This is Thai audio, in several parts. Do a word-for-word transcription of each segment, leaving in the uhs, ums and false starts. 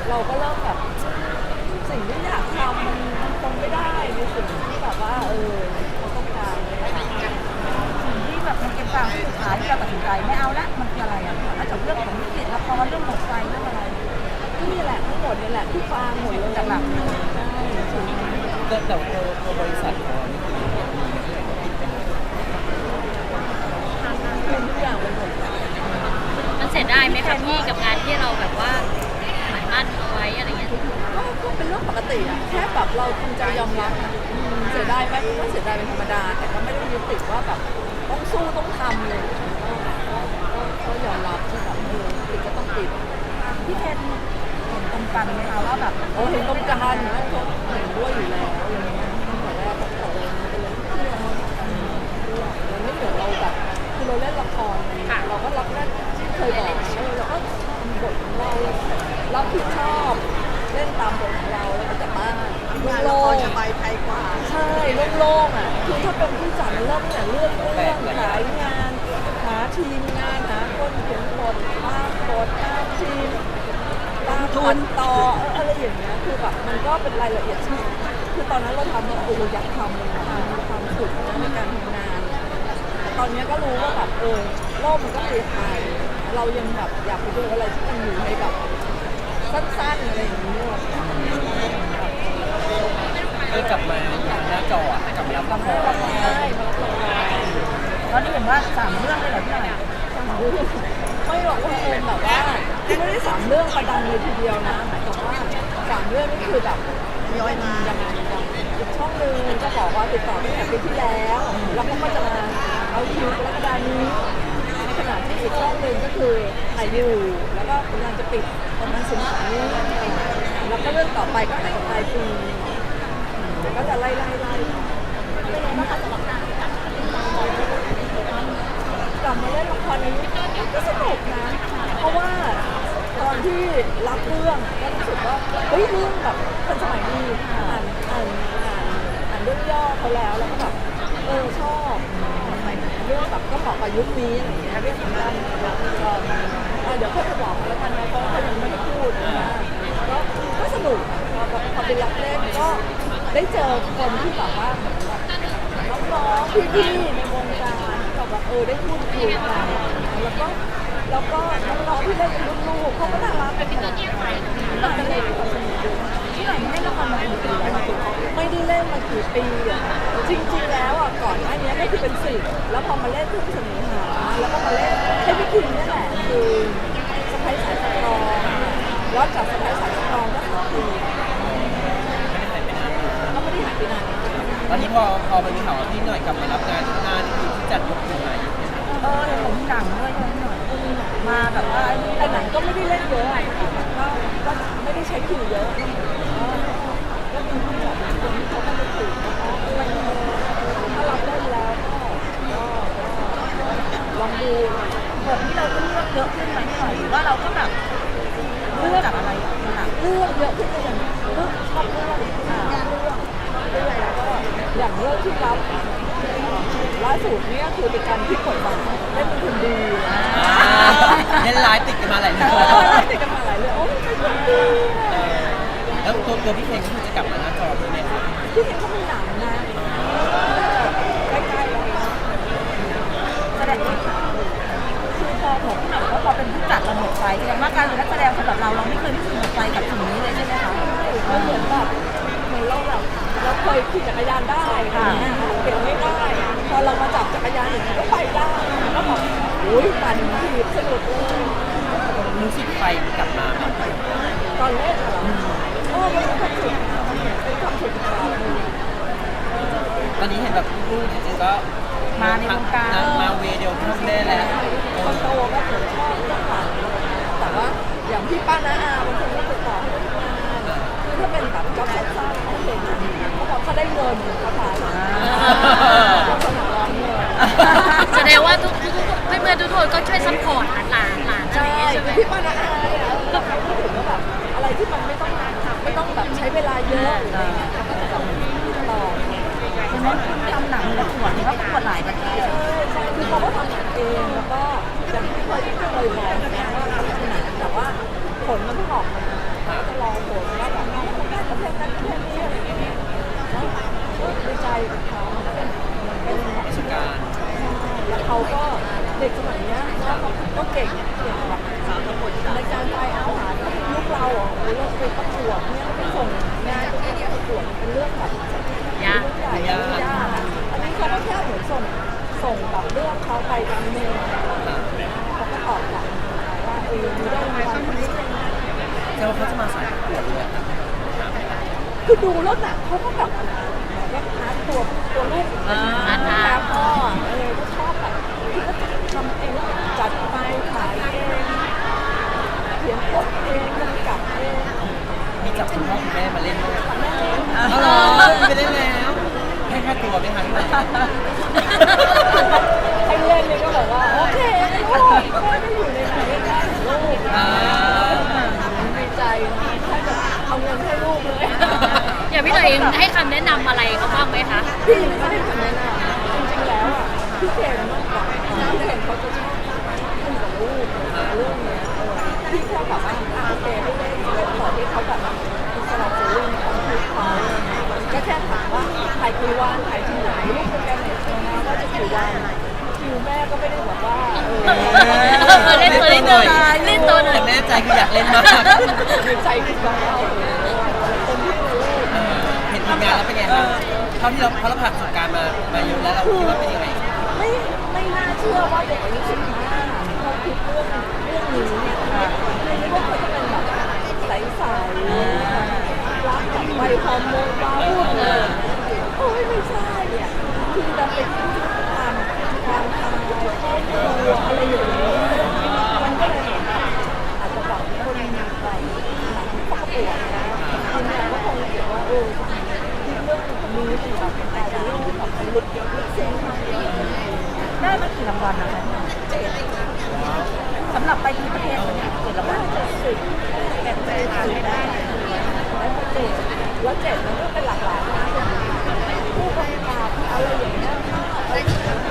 เราก็เริ่มแบบสิ่งที่อยากทำมันมันคงไม่ได้ในสิ่งที่แบบว่าเออเราต้องการสิ่งที่แบบมันเป็นความสุดท้ายที่เราตัดสินใจไม่เอาละมันคืออะไรอ่ะนอกจากเรื่องของวิกฤตละครเรื่องหมดไฟเรื่องอะไรก็นี่แหละทั้งหมดนี่แหละที่ฟางหมดเลยหลักๆเลยใช่แต่แต่ตัวตัวบริษัทของเรานี่คือมีอะไรปิดไปหมดคือทุกอย่างเป็นหมดมันเสียดายไหมคะพี่กับงานที่เราแบบว่าหมายมั่นเอาไว้อะไรเงี้ยก็ก็เป็นเรื่องปกติอะแค่แบบเราทำใจยอมรับนะเสียดายไหมก็เสียดายเป็นธรรมดาแต่ก็ไม่ได้ยึดติดว่าแบบต้องสู้ต้องทำเลยก็ยอมรับที่แบบเออติดก็ต้องติดพี่เคนเห็นตรงกันไหมคะว่าแบบโอ้เห็นตรงกันนะเขาเห็นด้วยอยู่แล้วอะไรเงี้ยตั้งแต่แรกตั้งแต่เราเป็นเรื่องที่เราเราไม่เหมือนเราแบบคือเราเล่นละครเราก็รับแรกที่เคยบอกเออเราก็ทำบทของเรารับผิดชอบเล่นตามบทของเราแล้วก็จะบ้านโล่งๆสบายใจกว่าใช่โล่งๆอ่ะคือถ้าเป็นผู้จัดมันเริ่มแต่เรื่องเรื่องขายงานหาทีมงานหาคนเขียนบทตามบทตามทีมตามทุนต่ออะไรอย่างเงี้ยคือแบบมันก็เป็นรายละเอียดที่คือตอนนั้นเราทำเราโอ้อยากทำเลยค่ะมีความสุขในการทำงานตอนนี้ก็รู้ว่าแบบเออโลกมันก็เปลี่ยนไปเรายังแบบอยากไปดูอะไรที่มันอยู่ในแบบสั้นๆอะไรอย่างนี้เออกลับมาหน้าจอกลับมารับละครใช่มารับละครตอนนี้เห็นว่าสามเรื่องเลยเหรอพี่หน่อยสามเรื่องไม่บอกว่าเออแบบว่าที่ไม่ได้สามเรื่องประดังเลยทีเดียวนะหมายถึงว่าสามเรื่องนี่คือแบบย้อยมายังไงยังอีกช่องหนึ่งก็บอกว่าติดต่อตั้งแต่ปีที่แล้วแล้วเขาก็จะมาเอาคิวกรกฎานี้ในขณะที่อีกช่องหนึ่งก็คือถ่ายอยู่แล้วก็กำลังจะปิดประมาณสิงหาคมแล้วก็เรื่องต่อไปก็ถ่ายปลายปีก็จะไล่ไล่ไล่เป็นไงบ้างคะสำหรับการกลับกลับมาเล่นละครในยุคก็สนุกนะเพราะว่าตอนที่รับเรื่องก็รู้สึกว่าเฮ้ยเรื่องแบบทันสมัยดีอ่านอ่านอ่านอ่านเรื่องย่อเขาแล้วแล้วก็แบบเออชอบเรื่องแบบก็เหมาะกับยุคนี้อะไรอย่างเงี้ยเรื่องนั้นเดี๋ยวค่อยไปบอกแล้วกันนะเพราะเขายังไม่ได้พูดนะก็ก็สนุกพอแบบพอไปรับเล่นก็ได้เจอคนที่แบบว่าน้องๆพี่ๆในวงการแบบว่าเออได้พูดคุยกันแล้วก็แล้วก็น้องๆที่เล่นเป็นลูกๆเขาก็น่ารักเป็นตัวเยี่ยมเลยเราจะเล่นความสนุกด้วยที่ไหนไม่ได้ละครมากี่ปีแล้วไม่ได้เล่นมากี่ปีอ่ะจริงๆแล้วอ่ะก่อนหน้านี้ก็คือเป็นสิบแล้วพอมาเล่นทุกเสน่หาแล้วก็มาเล่นให้พี่คิมนี่แหละคือสไปซ์สายสตรองแล้วจากสไปซ์สายสตรองก็สองปีก็ไม่ได้หายไปนานตอนนี้พอพอไปมีข่าวว่าพี่หน่อยกลับมารับงานที่หน้านี่คือที่จัดยกขึ้นมาเออเห็นผมหนังด้วยใช่ไหมหน่อยมาแบบว่าแต่หนังก็ไม่ได้เล่นเยอะก็ก็ไม่ได้ใช้คิวเยอะก็มีผู้จัดคนที่เขาก็ไม่ถือถ้ารับได้แล้วก็ลองดูบทที่เราต้องเลือกเยอะขึ้นไหมหน่อยหรือว่าเราก็แบบเลือกจากอะไรหนังเลือกเยอะขึ้นอย่างเลือกชอบเลือกเลือกเลือกแล้วก็อย่างเรื่องที่รับล่าสุดเนี่ยคือเป็นการที่กดบัตรเล่นเป็นคนดีเล่นไลฟ์ติดกันมาหลายเรื่องติดกันมาหลายเรื่องโอ้เป็นคนดีแล้วตัวตัวพี่เพลงก็คือจะกลับมาหน้าจอด้วยไหมครับพี่เพลงเขามีหนังนะใกล้ๆแล้วแสดงคือพอผมแบบว่าพอเป็นผู้จัดเราหมดไฟแสดงว่าการเป็นนักแสดงสำหรับเราเราไม่เคยรู้สึกหมดไฟกับสิ่งนี้เลยใช่ไหมคะมันเหมือนแบบเหมือนเราแบบเราเคยขี่จักรยานได้ค่ะเก่งไม่ได้พอเรามาจับจักรยานอย่างนี้ก็ไปได้ก็แบบโอ้ยปั่นถีบสนุกเลยรู้สึกไฟกลับมาตอนเล่นเหรอโอ้เป็นความสุขเป็นความสุขของเราตอนนี้เห็นแบบลูกจริงๆก็มาในวงการมาเวเดียวทุกเล่แล้วคนโตก็ผมชอบเรื่องหลังแต่ว่าอย่างพี่ป้าน้าอาบางคนก็ติดต่อให้ทำงานคือถ้าเป็นแบบจ็อบสั้นๆเขาเห็นเขาบอกเขาได้เงินเขาขายเขาสมัครร้องเงินแสดงว่าทุกทุกเพื่อนๆทุกคนก็ช่วยซัพพอร์ตหลานหลานอะไรอย่างเงี้ยใช่ไหมพี่ป้าน้าอาเนี่ยเราพูดถึงว่าแบบอะไรที่มันไม่ต้องไม่ต้องแบบใช้เวลาเยอะอะไรเงี้ยเขาก็จะแบบต่อใช่ไหมทำหนังประกวดเขาประกวดหลายประเทศใช่ใช่คือเขาก็ทำหนังเองแล้วก็อย่างที่เคยเคยบอกนะว่าทำหนังแต่ว่าผลมันเพิ่งออกมาก็รอก็เก่งเก่งแบบในการไปอาหารลูกเราอ่ะเราไปประกวดเนี่ยไปส่งงานไปประกวดเป็นเรื่องแบบยากใหญ่ยากอ่ะอันนี้เขาก็แค่เหมือนส่งส่งแบบเรื่องเขาไปทำเมลเขาก็ตอบกลับว่าเออมีได้รางวัลนี้แต่ว่าเขาจะมาสายประกวดเลยอะคือดูแล้วน่ะเขาก็แบบแบบหาตัวตัวลูกแล้วพ่อเออก็ชอบแบบคือก็ทำเองจัดไปขายเองเขียนบทเองกำกับเองมีจับคุณพ่อคุณแม่มาเล่นด้วยแม่เองอ๋อเหรอไปเล่นแล้วให้ค่าตัวไหมคะที่ไหนให้เล่นเลยก็บอกว่าโอเคลูกแม่ไม่อยู่ในไหนก็ได้ลูกอ่าดีใจนะถ้าจะเอาเงินให้ลูกเลยอย่างพี่หน่อยเองให้คำแนะนำอะไรเขาบ้างไหมคะพี่ไม่ได้ทำแนะนำจริงๆแล้วอ่ะพี่เคนมากกว่าพี่เคนเขาจะชอบคุยกับลูกเรื่องเนี้ยเออพี่แค่แบบว่าโอเคให้เล่นเล่นขอที่เขาแบบอิสระเสรีในความคิดเขาก็แค่ถามว่าถ่ายกี่วันถ่ายที่ไหนลูกโปรแกรมไหนนะว่าจะกี่วันคิวแม่ก็ไม่ได้แบบว่าเออเล่นตัวนิดนึงเล่นตัวหน่อยแต่แม่ใจคืออยากเล่นมากดีใจคือแบบว่าคนที่รู้เห็นทีมงานแล้วเป็นไงคะเท่าที่เราเพราะเราผ่านประสบการณ์มามาเยอะแล้วเราคิดว่าเป็นยังไงไม่ไม่น่าเชื่อว่าเด็กอายุสิบห้าเขาคิดเรื่องเรื่องนี้ไม่นึกว่าเขาจะเป็นแบบใสๆรักแบบไวฮอร์โมนว้าวุ่นเลยโอ้ยไม่ใช่เนี่ยคือจะเป็นความความทำลายครอบครัวอะไรอย่างนี้มันก็เลยอาจจะแบบคนแบบเขาก็ปวดนะคุณแม่ก็คงเห็นว่าเออเรื่องมีสิ่งแบบแต่เรื่องแบบลึกลึกซึ้งมากได้มากี่รางวัลนะคะสำหรับไปที่ประเทศเนี่ยเจ็ดรางวัลเจ็ดสิบแปดสิบได้แล้วก็เจ็ดแล้วเจ็ดมันก็เป็นหลากหลายนะผู้กำกับอะไรอย่างเงี้ยก็ไม่เชิง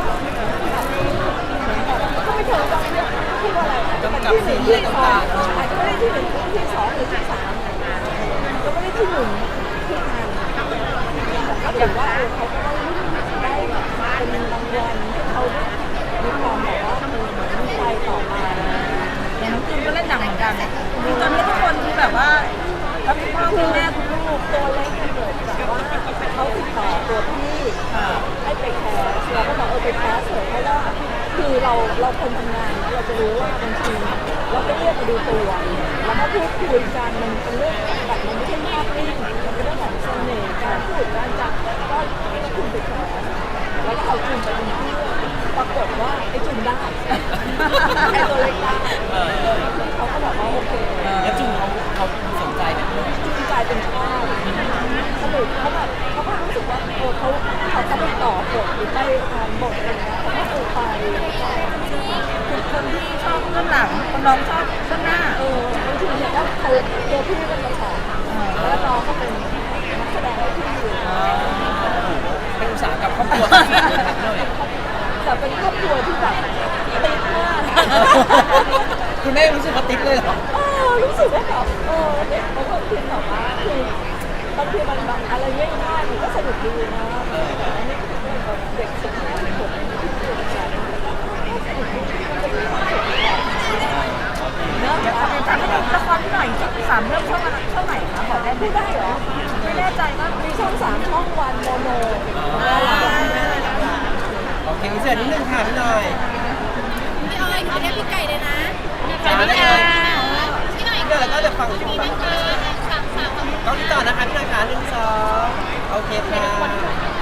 ว่าที่ว่าอะไรเป็นที่หนึ่งที่สองอาจจะไม่ได้ที่หนึ่งที่สองหรือที่สามก็ไม่ได้ที่หนึ่งที่งานก็ถือว่าเขาก็ได้เป็นรางวัลที่เขามีความแบบว่าเหมือนมีไฟต่อมาอย่างน้องจูนก็เล่นหนังเหมือนกันคือตอนนี้ทุกคนคือแบบว่าทั้งคุณพ่อคุณแม่คุณลูกตัวเล็กกันเกิดจากว่าเขาติดต่อตัวพี่ให้ไปแคสเราก็บอกเออไปแคสเถอะเพราะว่าคือเราเราคนทำงานนะเราจะรู้ว่าบางทีเราก็เรียกมาดูตัวแล้วก็พูดคุยกันมันเป็นเรื่องแบบมันไม่ใช่ภาพนิ่งมันเป็นเรื่องของเสน่ห์การพูดการจับก็ให้คุณไปแคสแล้วก็เอาจุนไปเป็นเพื่อนปรากฏว่าไอ้จุนได้ไอ้ตัวเล็กได้เขาก็บอกว่าโอเคแล้วจุงเขาเขาสนใจไหมกลายเป็นชอบสนุกเขาแบบเขาก็รู้สึกว่าเออเขาเขาเขาไปต่อบทหรือไปอ่านบทอะไรเงี้ยเขาก็เออไปคือคนที่ชอบเรื่องหลังคนน้องชอบเรื่องหน้าเออบางทีเนี่ยก็เขาตัวพี่เป็นมาสอนแล้วน้องก็เป็นนักแสดงให้พี่อยู่เป็นอุตสาหกรรมครอบครัวเลยแต่เป็นครอบครัวที่แบบติดมากคุณแม่รู้สึกว่าติ๊กเลยเหรอเออรู้สึกว่าแบบเออเด็กเขาก็คือแบบว่าคือบางทีมันแบบอะไรง่ายๆมันก็สนุกดีนะแต่อันนี้เด็กสิบห้าสิบหกที่เกิดจากสนุกดีมันจะมีความสุขเนาะถามให้ดูละครที่หน่อยสามเรื่องช่องอะไรช่องไหนคะบอกได้ไหมพูดได้เหรอไม่แน่ใจว่ามีช่องสามช่องวันโมโนโอเคเสร็จนิดนึงค่ะพี่หน่อยพี่ออยขอเรียกพี่ไก่เลยนะสวัสดีค่ะพี่หน่อยเดี๋ยวเราก็จะฟังจุงมีแบนั่บงเออสามสามต้องติดต่อนะคะพี่หน่อยค่ะหนึ่งสองโอเคค่ะ